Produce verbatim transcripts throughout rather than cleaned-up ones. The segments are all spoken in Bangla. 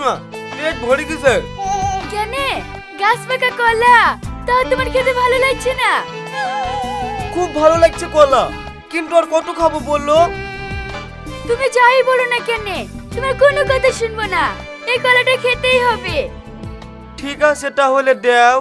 না, পেট ভরে গেছে। কেনে গাছ পাকা কলা, তাও তোমার খেতে ভালো লাগছে না? খুব ভালো লাগছে কলা, কিন্তু আর কত খাবো বললো? তুমি যাই বলো না কেনে, তোমার কোনো কথা শুনবো না, এই কলাটা খেতেই হবে। ঠিক আছে তাহলে দেও।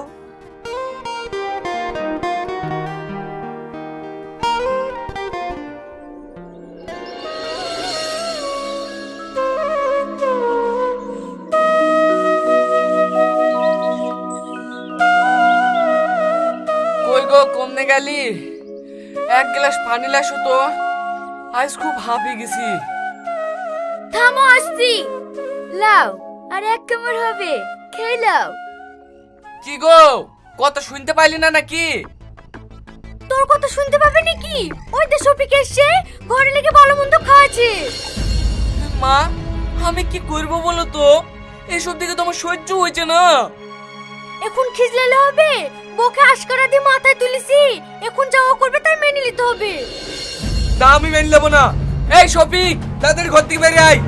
কই গো কমনে গেলি? এক গ্লাস পানি লাসো তো, আজ খুব হাঁপিয়ে গেছি। থামো আসছি, লাও আর এক কামড় হবে, খেয়ে লাও। কি গো কথা শুনতে পাইলি না নাকি? তোর কথা শুনতে পাবে নাকি? ওই যে শফিক এসে ঘরে লেগে ভালো মন্দ খাওয়াছে। মা আমি কি করব বলো তো, এসব দিকে তোমার সহ্য হয়েছে না। এখন খিজলালে হবে? বকে আশকারা দিয়ে মাথায় তুলেছি, এখন যাওয়া করবে তার মেনে নিতে হবে। তা আমি মেনে নেবো না। এই শফিক তাদের ঘর থেকে বেরিয়ে আয়।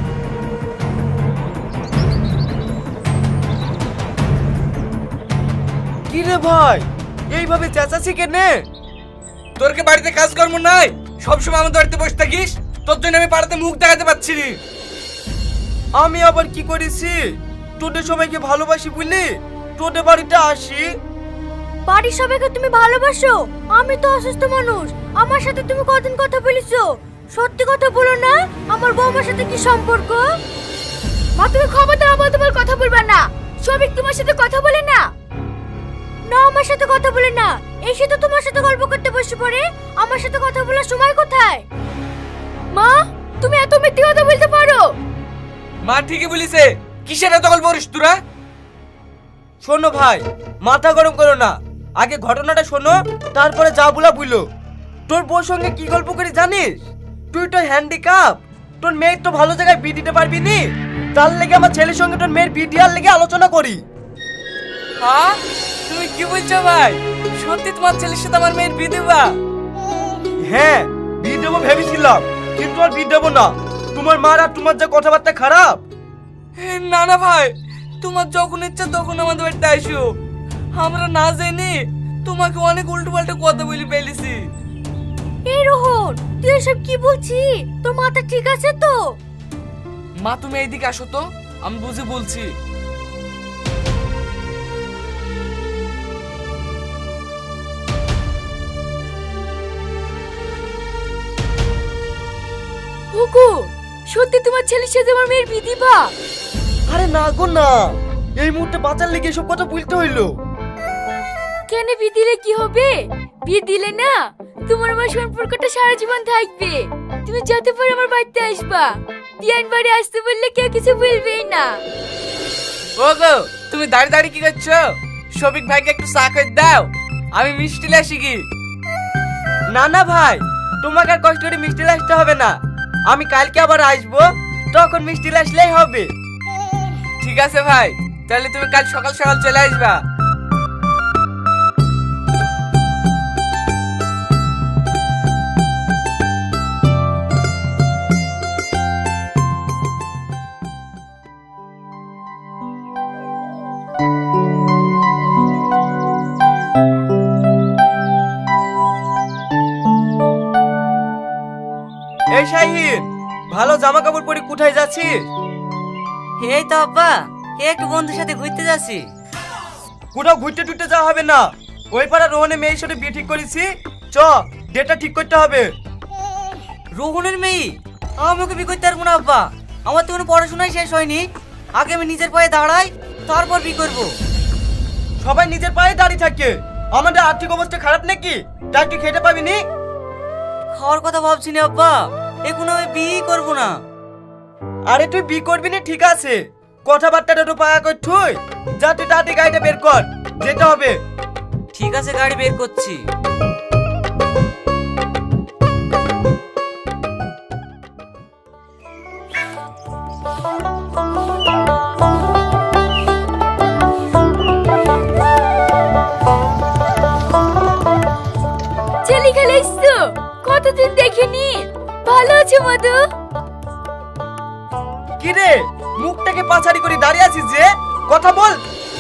কি রে ভাই, এইভাবে চেঁচাচ্ছি কেনে? তোর কি বাড়িতে কাজকর্ম নাই? সবসময় আমাদের বাড়িতে বসে থাকিস, তোর জন্য আমি পাড়াতে মুখ দেখাতে পারছি না। আমি আবার কি করেছি? তোদের সবাইকে ভালোবাসি বুঝলি তোদের বাড়িতে আসি। বাড়ির সবাইকে তুমি ভালোবাসো? আমি তো অসুস্থ মানুষ, আমার সাথে তুমি কতদিন কথা বলেছো? সত্যি কথা বলো না, আমার বৌমার সাথে কি সম্পর্ক? মা তুমি খবরদার আবার তোমার কথা বলবা না। সবিক তোমার সাথে কথা বলে না? না আমার সাথে কথা বলে না, এসে তো তোমার সাথে গল্প করতে বসে পড়ে, আমার সাথে কথা বলার সময় কোথায়? মা তুমি এত মিথ্যে কথা বলতে পারো? মা ঠিকই বলিছে, কিসের এত গল্প করিস তোরা? শোনো ভাই, মাথা গরম করো না, আগে ঘটনাটা শোনো, তারপরে যা বলা বুঝলো। তোর বউর সঙ্গে কি গল্প করি জানিস? তুই তো হ্যান্ডিক্যাপ, তোর মেয়ের তো ভালো জায়গায় বিয়ে দিতে পারবি নি, তার লেগে আমার ছেলের সঙ্গে তোর মেয়ের বিয়ে দেওয়ার লেগে আলোচনা করি। হ্যাঁ তুমি কি বলছো ভাই? সত্যি তোমার ছেলের সাথে আমার মেয়ের বিয়ে দেবা? হ্যাঁ বিয়ে দেবো ভেবেছিলাম, কিন্তু আর বিয়ে দেবো না। তোমার মার আর তোমার যা কথাবার্তা খারাপ। না না ভাই, তোমার যখন ইচ্ছা তখন আমাদের বাড়িতে আসো। আমরা না জানি তোমাকে অনেক উল্টো পাল্টা কথা বলি ফেলেছি। এই রোহন তুই এসব কি বলছিস? তোর মাথা ঠিক আছে তো? মা তুমি এইদিকে আসো তো, আমি বুঝে বলছি। হুকু সত্যি তোমার ছেলের সাথে আমার মেয়ের বিয়ে দিবা? আরে না গো না, এই মুহূর্তে বাঁচার লেগে এসব কথা বলতে হইলো। কেন বিয়ে দিলে কি হবে? বিয়ে দিলে না তোমার আমার সম্পর্কটা সারা জীবন থাকবে। তুমি যত পারো আমার বাড়িতে আসবা, দিয়ান বাড়ি আসতে বললে কেউ কিছু বলবেই না। ও গো তুমি দাঁড়িয়ে দাঁড়িয়ে কি করছো? শফিক ভাইকে একটু চা করে দাও, আমি মিষ্টি লাসি কি। না না ভাই, তোমাকে আর কষ্ট করে মিষ্টি আসতে হবে না, আমি কালকে আবার আসবো, তখন মিষ্টি আসলেই হবে। ঠিক আছে ভাই, তাহলে তুমি কাল সকাল সকাল চলে আসবা। এই শাহিন, ভালো জামা কাপড় পরে কোথায় যাচ্ছিস? এই তো আব্বা, একটু বন্ধুর সাথে ঘুরতে যাচ্ছি। কোথাও ঘুরতে টুরতে যাওয়া হবে না, ওই পাড়া রোহনের মেয়ের সাথে বিয়ে ঠিক করেছি, চ ডেটটা ঠিক করতে হবে। রোহনের মেয়ে? আমাকে বিয়ে করতে পারবো না আব্বা, আমার তো কোনো পড়াশোনাই শেষ হয়নি। আগে আমি নিজের পায়ে দাঁড়াই, তারপর বিয়ে করবো। সবাই নিজের পায়ে দাঁড়িয়ে থাকে, আমাদের আর্থিক অবস্থা খারাপ নাকি তাই তুই খেতে পাবি নি? খাওয়ার কথা ভাবছি না আব্বা, এখন আমি বিয়ে করবো না। আরে তুই বিয়ে করবি না ঠিক আছে, কথাবার্তাটা তো পাকা কর, তুই যা, তুই তাড়াতাড়ি গাড়িটা বের কর, যেতে হবে। ঠিক আছে, গাড়ি বের করছি। ছেলে খেলে এসছো, কতদিন দেখিনি। ভালো আছো মধু? কি রে মুখটা থেকে পাছাড়ি করে দাঁড়িয়ে আছিস যে? কথা বল।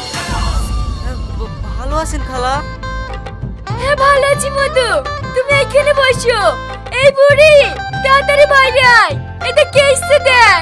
ভ- ভালো আছেন খালা? হ্যাঁ ভালো আছি মধু, তুমি এখানে বসো। এই বুড়ি তাড়াতাড়ি বাইরে আয়, এটা কে এসছে দেখ।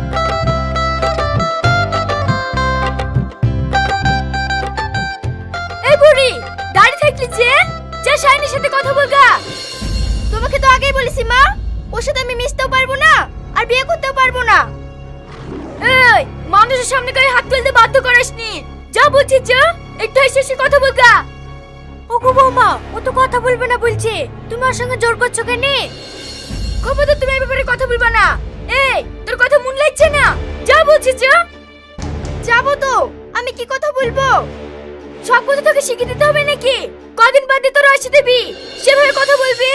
এই বুড়ি দাঁড়িয়ে থাকলি যে, যা শাইনির সাথে কথা বলগা। তোমাকে তো আগেই বলেছি মা, ওর সাথে আমি মিশতেও পারবো না আর বিয়ে করতেও পারবো না। এই মানুষের সামনে গায়ে হাত তুলতে বাধ্য করাসনি, যা বলছিস যা, একটু এসে এসে কথা বলগা। ওগো বৌমা, ও তো কথা বলবে না বলছে, তুমি ওর সঙ্গে জোর করছো কেন? খবরদার তুমি এই ব্যাপারে কথা বলবা না। এই তোর কথা মন লাগছে না, যা বলছিস যা। যাবো তো, আমি কি কথা বলবো? সব কথা তোকে শিখিয়ে দিতে হবে নাকি? কদিন বাদে তোর আসি দিবি, সেভাবে কথা বলবি।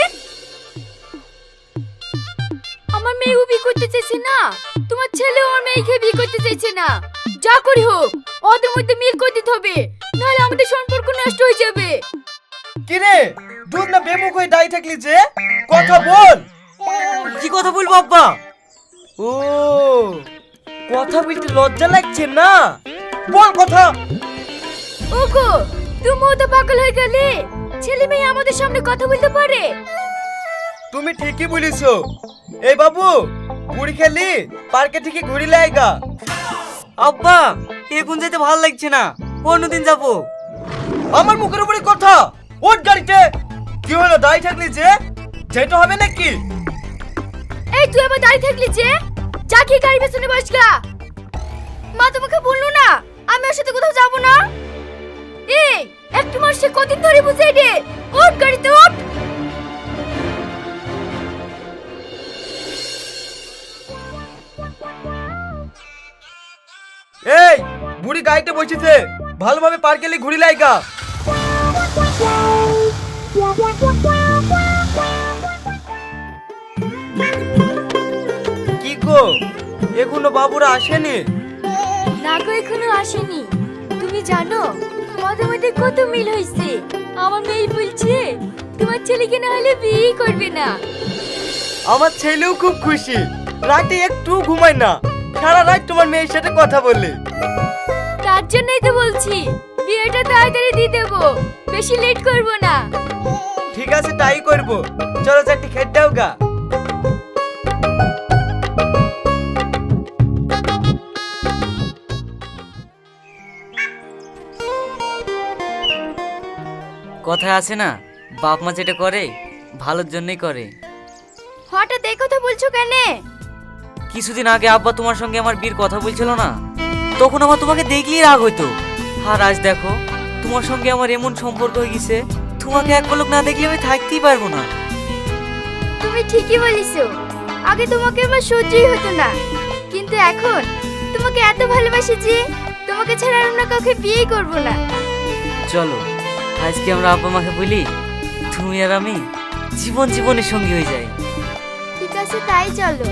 আমার মেয়ে বিয়ে করতে চাইছে না, তোমার ছেলে ওর মেয়েকে বিয়ে করতে চাইছে না। যা করি হোক ওদের মধ্যে মিল করে দিতে হবে, নাহলে আমাদের সম্পর্ক নষ্ট হয়ে যাবে। কি রে, দুধ না বেমুখ হয়ে দাঁড়িয়ে থাকলি যে? কথা বল। কি কথা বলবো আব্বা? ও, কথা বলতে লজ্জা লাগছে না? বল কথা। ওগো তুমিও তো পাগল হয়ে গেলে, ছেলে মেয়ে আমাদের সামনে কথা বলতে পারে? তুমি ঠিকই বলিছো। এই বাবু, বুড়ি খেলি পার্কে থেকে ঘুরি লাইগা। আব্বা এখন যেতে ভালো লাগছে না, অন্যদিন যাবো। আমার মুখের উপরে কথা, ওঠ গাড়িতে। কি হলো দাঁড়িয়ে থাকলি যে? যেতে হবে নাকি? এই তুই আবার দাঁড়িয়ে থাকলি যে, যা কি গাড়ি পেছনে বসগা। মা তোমাকে বললো না আমি ওর সাথে কোথাও যাবো না? এই একটু মাস সে কদিন ধরে বুঝাই দে, ওঠ গাড়িতে ওঠ। এই বুড়ি গাড়িতে বসেছে, ভালোভাবে পার্কে গেলে ঘুরি লাইগা। কি গো, এখনো বাবুরা আসেনি? না গো এখনো আসেনি। তুমি জানো আমাদের মধ্যে কত মিল হয়েছে। আমার মেয়ে বলছে তোমার ছেলেকে না হলে বিয়ে করবে না। আমার ছেলেও খুব খুশি, রাতে একটু ঘুমায় না, সারা রাত তোমার মেয়ের সাথে কথা বলে। তার জন্যই তো বলছি বিয়েটা তাড়াতাড়ি দিয়ে দেবো, বেশি লেট করব না। ঠিক আছে তাই করব, চলো চারটি খেতে দাও গা। কথায় আছে না, বাপ মা যেটা করে ভালোর জন্যই করে। হঠাৎ এই কথা বলছো কেন? কিছুদিন আগে আব্বা তোমার সঙ্গে আমার বিয়ের কথা বলছিল না, তখন আমার তোমাকে দেখলেই রাগ হইতো। আর আজ দেখো তোমার সঙ্গে আমার এমন সম্পর্ক হয়ে গেছে, তোমাকে এক পলক না দেখলে আমি থাকতেই পারবো না। তুমি ঠিকই বলিছো, আগে তোমাকে আমার সহ্যই হতো না, কিন্তু এখন তোমাকে এত ভালোবাসি যে তোমাকে ছাড়া অন্য কাউকে বিয়েই করব না। চলো আজকে আমরা আব্বা মাকে বলি তুমি আর আমি জীবন জীবনের সঙ্গী হয়ে যাই। ঠিক আছে তাই চলো।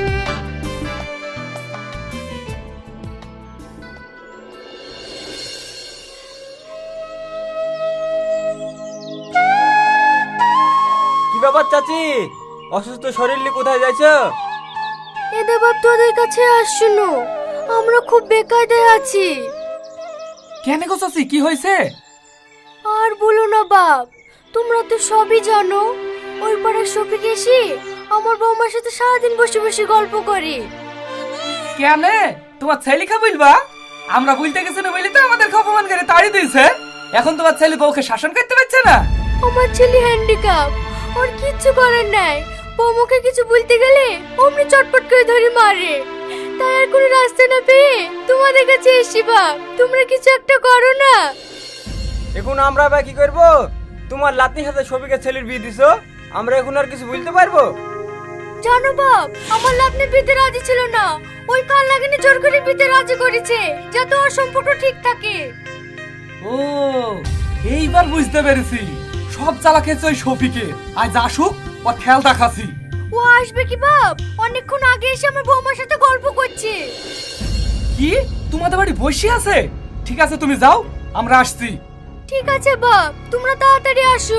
কি ব্যাপার চাচি, অসুস্থ শরীর নিয়ে কোথায় যাইছো? এদের বাপ তোদের কাছে আসছো, আমরা খুব বেকায়দায় আছি। কেন গো চাচি, কি হয়েছে? আর বলো না বাপ, তোমরা তো সবই জানো, ওই পাড়ার শফিক এসে আমার বৌমার সাথে সারাদিন বসে বসে গল্প করে। কেন তোমার ছেলেকে বলবা? আমরা বলতে গেছি না বলি তো আমাদের অপমান করে তাড়ি দিয়েছে। এখন তোমার ছেলে বউকে শাসন করতে পারছে না। আমার ছেলে হ্যান্ডিক্যাপ, ওর কিচ্ছু করার নাই। বৌমাকে কিছু বলতে গেলে অমনি চটপট করে ধরে মারে। তাই আর কোনো রাস্তা না পেয়ে তোমাদের কাছে এসি বাপ, তোমরা কিছু একটা করো না। এখন আমরা বা কি করব? তোমার লাতনির সাথে শফিকের ছেলের বিয়ে দিছো, আমরা এখন আর কিছু বলতে পারবো? জানো বাপ, আমার লাভনে বিতে রাজি ছিল না, ওই কাল লাগিনি জোর করে বিতে রাজি করেছে যাতে ওর সম্পর্ক ঠিক থাকে। ও এইবার বুঝতে পেরেছি, সব চালা খেয়েছে ওই শফিকে। আজ আসুক, ওর খেয়াল রাখাছি। ও আসবে কি বাপ? অনেকক্ষণ আগে এসে আমার বৌমার সাথে গল্প করছে। কি তোমাদের বাড়ি বসে আছে? ঠিক আছে তুমি যাও, আমরা আসছি। ঠিক আছে বাপ, তোমরা তাড়াতাড়ি আসো।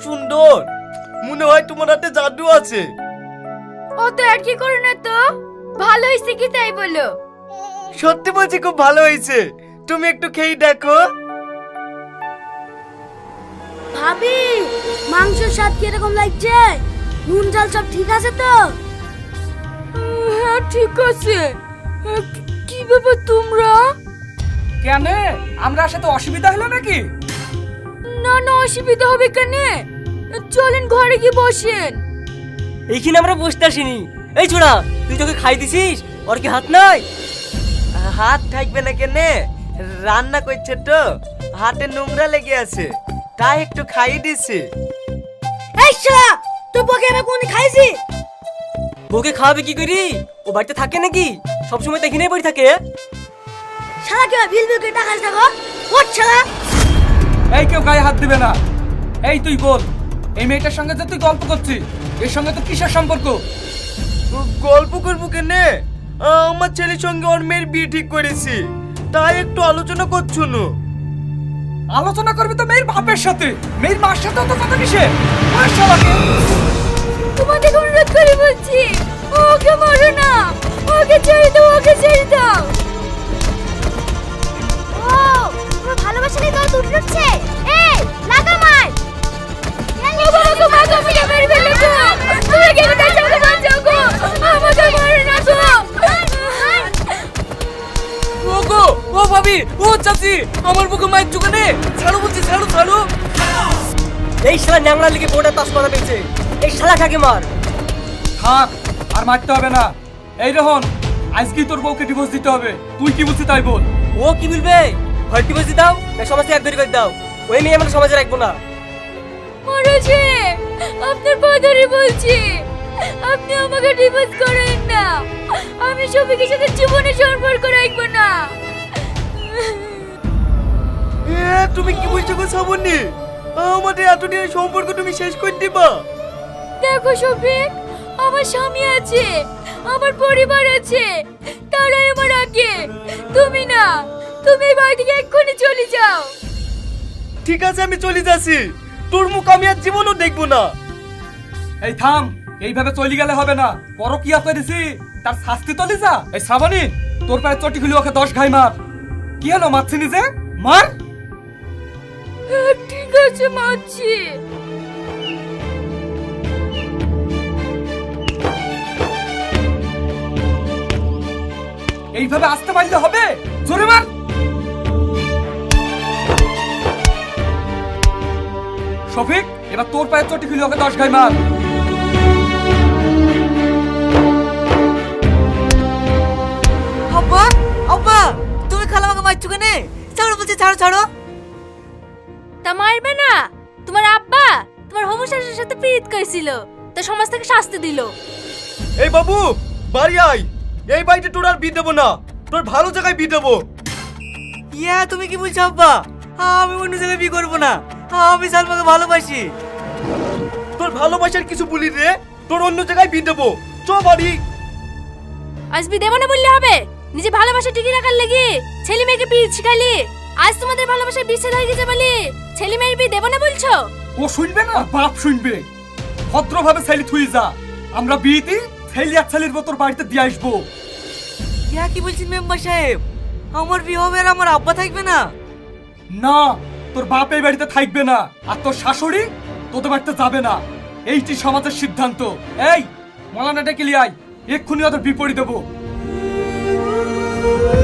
সুন্দর, মনে হয় তোমার হাতে জাদু আছে। ও তো আর কি করে না তো, ভালো হয়েছে কি তাই বলো। সত্যি বলছি খুব ভালো হয়েছে, তুমি একটু খেয়ে দেখো। ভাবি, মাংসের স্বাদ কিরকম লাগছে? নুন ঝাল সব ঠিক আছে তো? হ্যাঁ ঠিক আছে। কি ব্যাপার তোমরা? কেন, আমরা সাথে অসুবিধা হলো নাকি? না না, অসুবিধা হবে কেন? চলেন ঘরে গিয়ে বসেন। এইখানে আমরা বসতে আসিনি। এই ছোড়া, তুই তোকে খাই দিছিস? ওর কি হাত নাই? হাত থাকবে না কেনে, রান্না করছে তো হাতে নোংরা লেগে আছে, তাই একটু খাইয়ে দিছি। এই শালা, তুই বকে আমি কোন খাইছি? বউকে খাওয়াবে কি করি? ও বাড়িতে থাকে নাকি? সবসময় তো এখানেই পড়ে থাকে। শালা কে বিল বিল করে টাকা দেখো। ওঠ শালা। এই কেউ গায়ে হাত দিবে না। এই তুই বল, এই মেয়েটার সঙ্গে যে তুই গল্প করছিস, এর সঙ্গে তো কিসের সম্পর্ক? গল্প করবো কেনে, আমার ছেলের সঙ্গে ওর মেয়ের বিয়ে ঠিক করেছি, তাই একটু আলোচনা করছো না। আলোচনা করবি তো মেয়ের বাপের সাথে, মেয়ের মার সাথে তো কথা কিসে? ওই শালাকে তোমাদের অনুরোধ করে বলছি, ওকে মারো না, ওকে ছেড়ে দাও, ওকে ছেড়ে দাও। ও, তোমার ভালোবাসা নিয়ে দল উঠে উঠছে। এই, লাগা মার। বাবা, ওকে মারো, আমি মেরে ফেলবো গো। তুমি কেন কাছে আমাকে বাঁচাও গো, আমাকে মারো না গো। ও গো, ও ভাবি, ও চাচি, আমার বুকে মায়ের চুকানে ছাড়ো বলছি, ছাড়ো ছাড়ো। এই শালা ন্যাংরা লিগে বউটা তাস মারা পেয়েছে। এই শালাটাকে মার। থাক, আর মারতে হবে না। এই রোহন, আজকেই তোর বউকে ডিভোর্স দিতে হবে। তুই কি বলছিস তাই বল। ও কি বলবে? হয় ডিভোর্স দিয়ে দাও, না সমাজ থেকে এক ধরে করে দাও। ওই মেয়ে আমরা সমাজে রাখবো না। মহারাজে, আপনার পাদারে বলছি, আপনি আমাকে ডিভোর্স করেন না। আমি সবিকের সাথে জীবনে সম্পর্ক রাখবো না। এ তুমি কি বলছো গো শ্রাবণী? আমাদের এতদিনের সম্পর্ক তুমি শেষ করে দিবা? দেখো সবিক, আমার স্বামী আছে, আমার পরিবার আছে, তারাই আমার আগে। তুমি না, তুমি এই বাড়ি থেকে এক্ষুনি চলে যাও। ঠিক আছে, আমি চলে যাচ্ছি, তোর মুখ আমি আর জীবনও দেখবো না। এই থাম, এইভাবে চলে গেলে হবে না। পরকিয়া করেছি, তার শাস্তি তো লিজা। এই শ্রাবণী, তোর পায়ে চটি খুলি ওকে দশ ঘাই মার। কি হলো, মারছি নিজে? মার। হ্যাঁ, ঠিক আছে, মারছি। এইভাবে আসতে পারলে হবে? জোরে মার। শফিক, এবার তোর পায়ে চটি খুলি ওকে দশ ঘাই মার। আব্বা, আব্বা, তুমি খালামাকে মারছো কেন? ছাড়ো বলছি, ছাড়ো ছাড়ো। তা মারবে না? তোমার আব্বা তোমার হোমোসেক্সুয়ালের সাথে প্রীত করেছিল, তা সমাজ থেকে শাস্তি দিল। এই বাবু, বাড়ি আয়। এই বাড়িতে তোর আর বিয়ে দেবো না, তোর ভালো জায়গায় বিয়ে দেবো। ইয়া, তুমি কি বলছো আব্বা? আমি অন্য জায়গায় বিয়ে করবো না, আমি সালমাকে ভালোবাসি। তোর ভালোবাসার কিছু বলি রে, তোর অন্য জায়গায় বিয়ে দেবো। চ বাড়ি। আজ বি দেব না বললে হবে? নিজে ভালোবাসা টিকিয়ে রাখার লাগি ছেলে মেয়েকে বিয়ে শিখালি। আজ তোমাদের ভালোবাসার বিচ্ছেদ হয়ে গেছে বলি ছেলে মেয়ের বিয়ে দেব না বলছো? ও শুনবে না, বাপ শুনবে। ভদ্রভাবে ছেলে থুই যা, আমরা বিয়েতে ছেলে এক ছেলের মতো বাড়িতে দিয়ে আসবো। ইয়া কি বলছেন মেম্বার সাহেব? আমার বিয়ে হবে আর আমার আব্বা থাকবে না? না, তোর বাপ এই বাড়িতে থাকবে না, আর তোর শাশুড়ি তোদের বাড়িতে যাবে না। এইটি সমাজের সিদ্ধান্ত। এই মলানাটা ক্লিয়ার, এক্ষুনি ওদের বিপরীত দেবো।